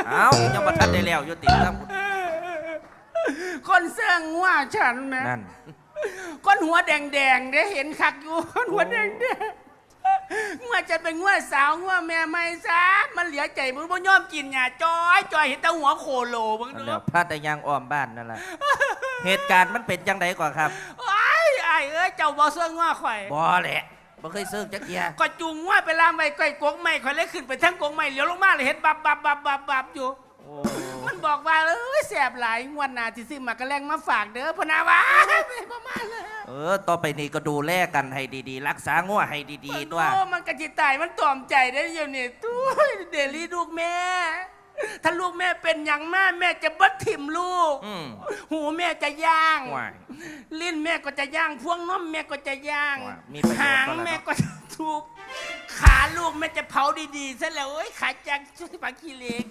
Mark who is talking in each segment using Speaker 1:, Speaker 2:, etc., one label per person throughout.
Speaker 1: เอ้ายังบ่ทันได้แล้วอยู่ติครับ
Speaker 2: คนเสื่องว่าฉันนะ
Speaker 1: นั่น
Speaker 2: คนหัวแดงๆได้เห็นคักอยู่คนหัวแดงๆว่าจะเป็นงัวสาวงัวแม่ไม่ซะมันเหลือใจมึงบ่ยอมกินหญ้าจอยเห็นแต่หัวโคโลมึง
Speaker 1: นั่น
Speaker 2: ดู
Speaker 1: แหล้วพลาดแต่ยางอ้อมบ้านนั่นแหละเหตุการณ์มันเป็นจังไดก่อนครับ
Speaker 2: ไอ้เอ้ยเจ้าบ่เสื่องงัวข่อย
Speaker 1: บ่แหละบ่เคยซื้อจักเทีย
Speaker 2: ก็จูงงัวไปลามไว้ใกล้กงไม้ข่อยเลยขึ้นไปทั้งกงไม้เหลียวลงมาเลยเห็นบับอยู่
Speaker 1: โอ้
Speaker 2: มันบอกว่าแสบหลายงวดหน้าที่ซื้อมากระแลงมาฝากเด้อพนาวาไม่ประมาณเลย
Speaker 1: ต่อไปนี้ก็ดูแลกันให้ดีๆรักษางัวให้ดีๆตัว
Speaker 2: โอ้มันกระจิตายมันตอมใจได้อยู่นี่ตุ้ยเดลี่ลูกแม่ ถ้าลูกแม่เป็นอย่างแม่จะบัดถิ่มลูก หูแม่จะย่าง
Speaker 1: ว้าย
Speaker 2: ลิ้นแม่ก็จะย่างพวงน้มแม่ก็จะย่าง
Speaker 1: ว้ายมีประโยชน์
Speaker 2: หาง
Speaker 1: ก็แล้ว
Speaker 2: แม่ก็จะทุบขาลูกแม่จะเผาดีๆซะแล้วโอ้ยขาจังช่วยปากขี้เล็ก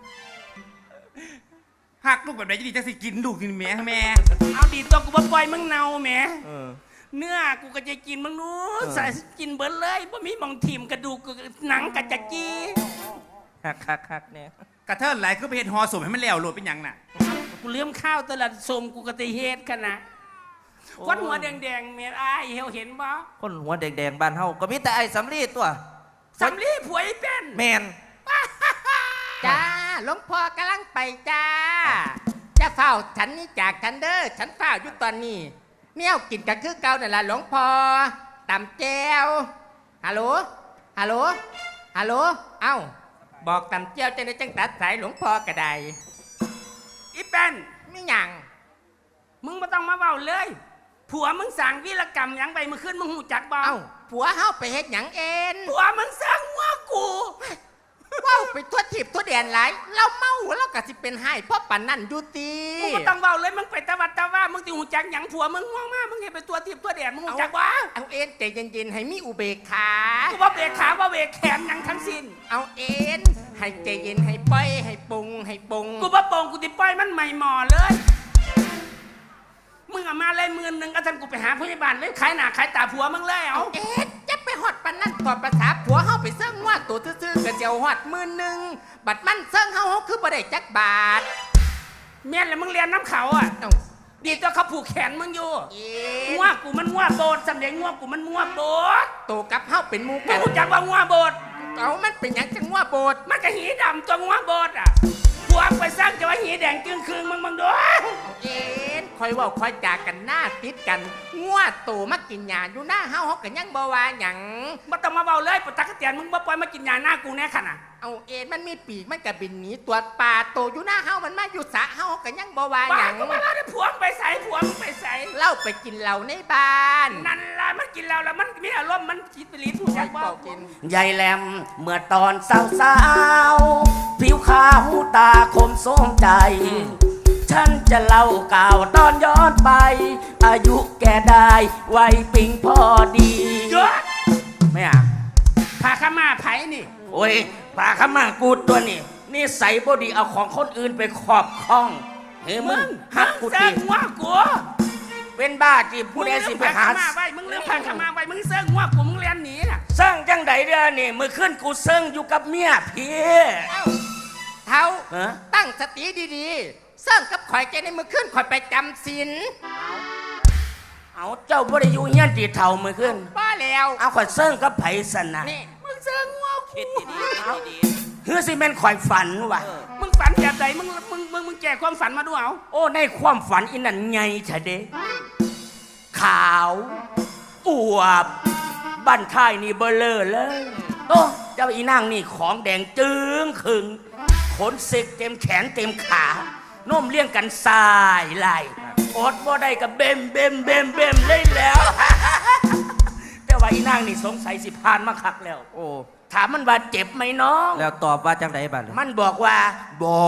Speaker 3: หักลูกแบบไหนจะดีจะสิกินลูกกินแม่แม่
Speaker 2: เอาดีตัวกูบ่ปล่อยมึงเน่าแหม
Speaker 1: เออ
Speaker 2: เนื้อกูก็จะกินมึงนู้
Speaker 1: เออ
Speaker 2: ใส่กินเบิดเลยบ่มีหมองถิ่มกระดูกกูหนังกัจะจี
Speaker 1: คักเนี่ย
Speaker 3: กระเทินไหลคือไปเห็นฮอสมให้มันแล้วโหลดเป็นหยังน่ะ
Speaker 2: กูเลี้ยมข้าวตลาดสมกูก็จะเฮ็ดกันนะคนหัวแดงๆเมียอ้ายเห็นบ่
Speaker 1: คนหัวแดงๆบ้านเฮาก็มีแต่ไอ้สำลีตัว
Speaker 2: สำลีผัวไอ้เป็น
Speaker 1: แมน
Speaker 4: จ้าหลวงพ่อกำลังไปจ้า จะเฝ้าฉันนี่จากฉันเด้อฉันเฝ้าอยู่ตอนนี้เนี่ยกินกันคือเก่านั่นล่ะหลวงพ่อตำแจวฮัลโหลฮัลโหลฮัลโหลเอ้าบอกตำแจวจะได้จังตัดสายหลวงพ่อกระได
Speaker 2: อีเป็น
Speaker 4: ไม่หยัง
Speaker 2: มึงไม่ต้องมาเว้าเลย ผัวมึงสั่งวีรกรรมหยังไปเมื่อคืนมึงหูจักบ่
Speaker 4: เอ้าผัวเฮาไปเฮ็ดหยังเอ็น
Speaker 2: ผัวมึงสั่งว่ากู
Speaker 4: เว้าไปทั่วทิพย์ทั่วแดนหลายเราเมาเราก็สิเป็นให้เพราะปันนั่นอยู่ตี
Speaker 2: มึงไม่ต้องเว้าเลยมึงไปตะวัดตะว่ามึงติหูจักหยังผัวมึงง่วงมากมึงเห็นไปตัวทิพย์ตัวแดดมึงหูจักวะ
Speaker 4: เอาเอ็นใจเย็นๆให้มีอุเบกขา
Speaker 2: กูว่าเบรกขาว่าเบรกแขนหยังทั้งสิ้น
Speaker 4: เอาเอ็นให้ใจเย็นให้ปล่อยให้ปรุงให้ปรุง
Speaker 2: กูว่าโป่งกูติปล่อยมันใหม่หมอเลย มึงเอามาเลย10,000อาจารย์กูไปหาพยาบาลเลยขายหน้าขายตาผัวมึงเลยเอา
Speaker 4: เอ็ดจะไปหอดปันนั่นต่อภาษาผัวเฮาไปเซิ่งว่าตัวซื่อๆกระเจียวหอด10,000บัดมันเซิ่งเฮาคือบ่ได้จักบาท
Speaker 2: เมียนแล้วมึงเรียนน้ำเขาอ่ะ
Speaker 4: เอ้า
Speaker 2: ดีตัวเขาผูกแขนมึงอยู่
Speaker 4: เอ็ด
Speaker 2: งัวกูมันงัวโบดสำเร็จงัวกูมันงัวโบด
Speaker 4: ตัวกับเฮาเป็นหมู่
Speaker 2: มึ
Speaker 4: กั
Speaker 2: ง
Speaker 4: น
Speaker 2: รู้จักว่างัวโบด
Speaker 4: เอามันเป็นหยังจังว่าโบด
Speaker 2: มันก็หีดำตัวงัวโบดอ่ะผัวไปสร้างจะว่าหีแดงจึงคืนมึงดู
Speaker 4: เอาเอ็ดคอยเว้าคอยจากันหน้าติดกันงัวโตมากินหญ้าอยู่หน้าเฮาก็ยังบ่ว่าหยัง
Speaker 2: มาต้องมาเบาเลยปะตักกะเตียนมึงบ่ปล่อยมากินยาหน้ากูแน่ขนาด
Speaker 4: เอาเอ็ดมันมีปีกมันก็บินหนีตัวปลาโตอยู่หน้าเฮามันมาอยู่สระเฮาก็ยังบ่ว่า
Speaker 2: บ้า
Speaker 4: หยัง
Speaker 2: กูมาแล้วผัวมึงไปใส่ผัวมึงไปใส่
Speaker 4: เล่าไปกินเหล้าในบ้าน
Speaker 2: นั่นล่ะมันกินแล้วแล้วมันมีอารมณ์มันคิดไปรีถูก
Speaker 4: ไป
Speaker 2: จักบ่
Speaker 4: เป่ากิน
Speaker 5: ยายแหลมเมื่อตอนสาวๆผิวขาวตาคมสมใจ ฉันจะเล่าก่าวตอนย้อนไป อายุแกได้วัยปิงพอดี
Speaker 2: เยอะ
Speaker 5: ไม่อ่ะ
Speaker 2: พาข้ามาไผนี่
Speaker 5: โอ้ยปลาขมากูตัวนี่นี่ใส่บดีเอาของคนอื่นไปครอบครองเฮ้ยมึงหักกู
Speaker 2: เซิ
Speaker 5: ที
Speaker 2: งงัวกู
Speaker 5: เป็นบ้าที่ผู้ใดสิไปหา
Speaker 2: มึงเรื่องพาข้ามาไว้มึงเซิงงัวกูมึงเรียนหนีน่ะ
Speaker 5: สร้างจังใดเด้อนี่มือขึ้นกูเซิงอยู่กับเมียพี่
Speaker 4: เอ้าเท้า
Speaker 5: ฮะ
Speaker 4: ตั้งสติดีๆเสิ่งกับข่อยใจในมือขึ้นข่อยไปจำศีล
Speaker 5: เอาเจ้าบ่ได้อยู่เฮียนตีเท่ามือขึ้น
Speaker 4: ป้าแล้ว
Speaker 5: เอาข่อยเซิงกับไผสันนะ
Speaker 4: นี่
Speaker 2: มึงเซิงงัวกู
Speaker 1: คิดดีๆคิดดี
Speaker 5: เฮือสิแม่นข่อยฝันว่ะ
Speaker 2: มึงฝันแบบใดมึงแก่ความฝันมาดูเอา
Speaker 5: โอ้ในความฝันอินั่นไงชะเด้ขาวอวบบั้นท้ายนี่เบลอเลยโอ้เจ้าอีนางนี่ของแดงจึงขึงขนเสกเต็มแขนเต็มขาโน้มเลี้ยงกันสายไหลอดบ่ได้กับเบมเลยแล้ว แต่ว่าอีนางนี่สงสัยสิพานมาคักแล้ว
Speaker 1: ๆโอ้
Speaker 5: ถามมันว่าเจ็บไหมน้อง
Speaker 1: แล้วตอบว่าจังไดบัด
Speaker 5: มันบอกว่าบอ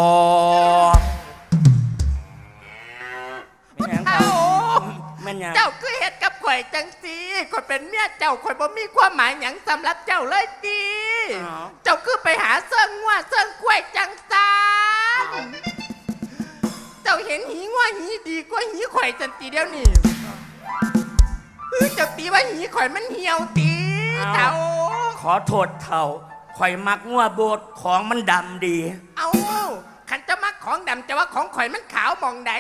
Speaker 1: ไม่หยังครั
Speaker 4: เอ้า
Speaker 1: บ
Speaker 5: แม่นยัง
Speaker 4: เจ้าคือเฮ็ดกับข่อยจังสีข่อยเป็นเมียเจ้าข่อยบ่มีความหมายหยังสำหรับเจ้าเลยตีเจ้าคือไปหาเสิ่งงัวเสิ่งกล้วยจังซานเจ้าเห็นหีงัวหีดีกว่าหีข่อยจันตีเดียวนี่เจ้าตีว่าหีข่อยมันเหี่ยวตีเจ้า
Speaker 5: ขอโทษเท่าข่อยมักงัวโบดของมันดำดี
Speaker 4: เอาของดำจะว่าของข่อยมันขาวมองใด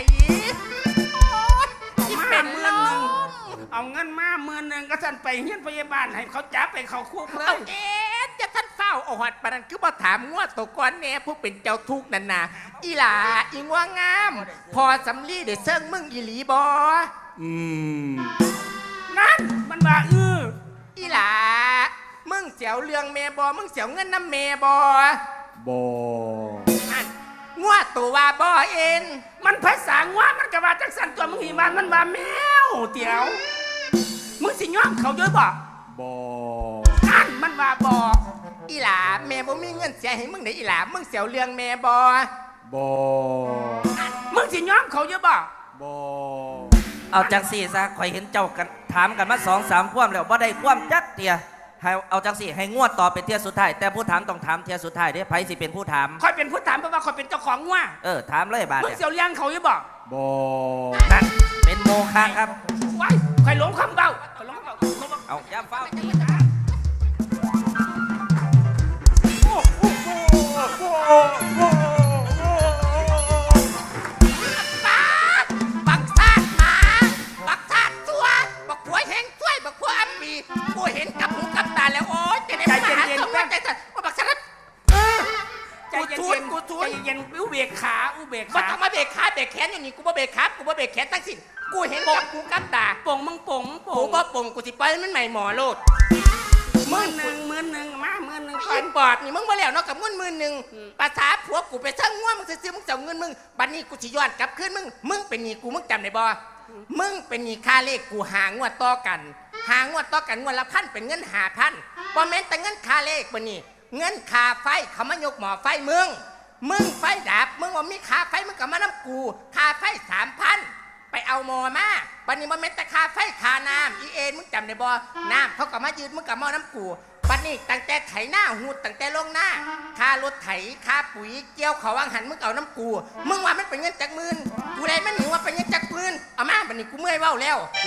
Speaker 2: เอามาเมื่อนึงเอาเงินมา10,000ก็สั่นไปเฮียนพยาบาลให้เขาจับไปเขาคุกเล
Speaker 4: เอา
Speaker 2: ย
Speaker 4: เอ๊ะจะท่านเฝ้าเอาหอดปานนั้นคือบ่ถามงัวตัวก้อนแน่ผู้เป็นเจ้าทุกข์นั่นน่ะอีหลาอีงัวงาม พอสำลีได้เซิงมึงอีหลีบ่
Speaker 2: นั่นมันว่า
Speaker 4: อีหลามึงเสียวเรื่องแม่บ่มึงเสียวเงินน้ำแม่บ่
Speaker 5: บ่
Speaker 4: อันงัวตัวว่าบ่เอ็น
Speaker 2: มันภาษางัวมันก็ว่าจังสันตัวมึงหีบ้านมันว่าแมวเตี๋ยวมึงสิย้อมเขาเยอะบ่
Speaker 5: บ่
Speaker 2: นั่นมันว่าบ่
Speaker 4: อีหลาแม่บ่มีเงินเสียให้มึงได้อีหลามึงเสียวเรื่องแม่บ่
Speaker 5: บ่
Speaker 2: มึงสิย้อมเขาเยอะบ่
Speaker 5: บ่
Speaker 1: เอาจังสี่ซะข่อยเห็นเจ้ากันถามกันมา2-3 ความแล้วบ่ได้ความจักเตียให้เอาจังสี่ให้งวดต่อเป็นเที่ยสุดท้ายแต่ผู้ถามต้องถามเที่ยสุดท้ายเด้ไผสิเป็นผู้ถาม
Speaker 2: คอยเป็นผู้ถามเพราะว่าคอยเป็นเจ้าของงัว
Speaker 1: ถามเลยบาด
Speaker 2: มึง
Speaker 1: เนี่ย
Speaker 2: เสียวเลี้ยงเขาเยอะบ่
Speaker 5: บ่
Speaker 1: นั่นเป็นโมฆะครับ
Speaker 2: ไว้คอยหลงคำเบาคอยหลงคำเบา
Speaker 1: เอาย่ำเฝ้าตี
Speaker 4: บักซาดหมาบักซาดตัวบักหัวแห้งช่วยบักหัวอัปปีกูเห็นกับหูกับตาแล้วโอ๊ยจะได้มาหาสมว่าใจสั่นว่าบักซาด
Speaker 2: ใจเย็นๆใจเย็นๆอุเบกขาอุเบก
Speaker 4: มัน
Speaker 2: ขา
Speaker 4: ต้องมาเบรกขาเบรกแขนอยู่นี่กูบ่เบรกขากูบ่เบรกแขนทั้งสิ้นกูเห็นกับหูกับตา
Speaker 2: ป่งมึงป่ง
Speaker 4: กูบ่ปงกูสิปล่อยมันใหม่หมอโลด
Speaker 2: 10,000มา10,000ก่อ
Speaker 4: ไอ้
Speaker 2: น
Speaker 4: ปอดนี่มึงมาแล้วเนาะกับเงิน10,000ภาษาผัวกูไปเชิงง่วมึงซื้อมึงเจ้าเงินมึงบัดนี้กูสิย้อนกลับคืนมึงเป็นหนี้กูมึงจำได้บ่มึงเป็นหนี้ค่าเลขกูหางวดต่อกันงวดละ1,000เป็นเงิน5,000บ่แม่นแต่เงินค่าเลขบ่นี่เงินค่าไฟเขามายกหม้อไฟมึงไฟดับมึงว่ามีค่าไฟมึงก็มานํกูค่าไฟ 3,000ไปเอาหม้อมาบัดนี้บ่แม่นแต่ค่าไฟค่าน้ำอีเอ็นมึงจำได้บ่น้ำเขาก็มายืดมึงก็มาน้ำกูบัดนี้ตั้งแต่ไถหน้าหูดตั้งแต่ลงหน้าค่ารถไถค่าปุ๋ยเกี่ยวเขาวางหันมึงเอาน้ำกูมึงว่ามันเป็นเงินจักหมื่นกูได้มันหนิว่าเป็นเงินจักหมื่นเอามาบัดนี้กูเมื่อยเว้าแล้ว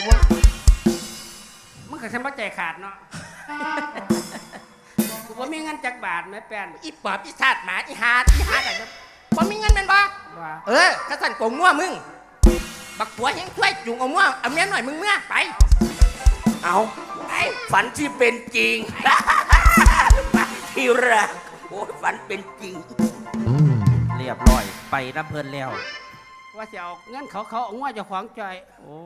Speaker 2: มึงกับฉันบ่ใจขาดเนาะกูว่ามีเงินจักบาทไหมแป้น
Speaker 4: อีปอบอีซาดหมาอีหาดอะไรเนี่ยบ่มีเงินแม่นบ่
Speaker 2: ว่า
Speaker 4: กระสันโกงงัวมึงบักผัวเฮงช่วยจุงเอางัวเอาเมียหน่อยมึงเมื่อไป
Speaker 5: เอาฝันที่เป็นจริง ฝันที่รักโอ้ยฝันเป็นจริง
Speaker 1: เรียบร้อยไปน้ำเพลินแล้ว
Speaker 2: ว่าจะเอาเงินเขาเอางัวเจะขวางใจ